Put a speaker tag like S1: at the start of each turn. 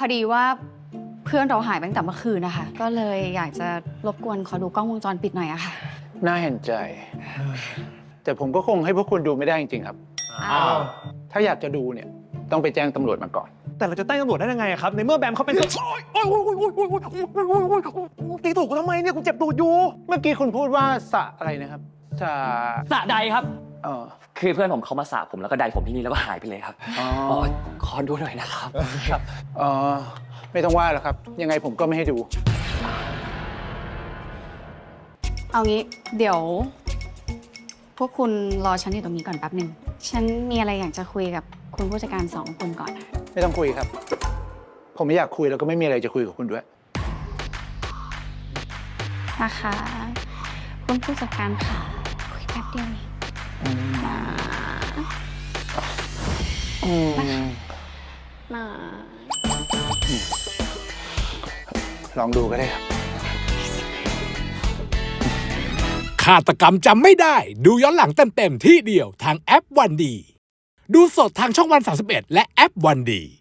S1: อดีว่าเพื่อนเราหายไปตั้งแต่เมื่อคืนนะคะก็เลยอยากจะรบกวนขอดูกล้องวงจรปิดหน่อยอะค่ะ
S2: น่าเห็นใจ แต่ผมก็คงให้พวกคุณดูไม่ได้จริงๆครับ
S1: อ้าว
S2: ถ้าอยากจะดูเนี่ยต้องไปแจ้งตำรวจมาก่อน
S3: แต่เราจะแจ้งตำรวจได้ยังไงครับในเมื่อแบมเขาเป็นโอ๊ยตีถูกกูทำไมเนี่ยกูเจ็บตูดอยู่
S2: เมื่อกี้คุณพูดว่าสระอะไรนะครับสระ
S4: สระใดครับ
S2: เออ
S4: คือเพื่อนผมเขามาสระผมแล้วก็ใดผมที่นี่แล้วก็หายไปเลยครับ
S2: อ๋อ
S4: อ๋อขอดูหน่อยนะครับ
S2: อ๋อไม่ต้องว่าหรอกครับ ยังไงผมก็ไม่ให้ดู
S1: เอางี้เดี๋ยว พวกคุณรอฉันอยู่ตรงนี้ก่อนแป๊บหนึ่งฉันมีอะไรอยากจะคุยกับคุณผู้จัดการสองคนก่อน
S2: ไม่ต้องคุยครับ ผมไม่อยากคุยแล้วก็ไม่มีอะไรจะคุยกับคุณด้วย
S1: นะคะคุณผู้จัดการค่ะคุยแป๊บเดียวเองนะ นะ
S2: ลองดูก็ได้ครับ
S5: ฆาตกรรมจำไม่ได้ ดูย้อนหลังเต็มๆที่เดียวทางแอปวันดี ดูสดทางช่องวัน31และแอปวันดี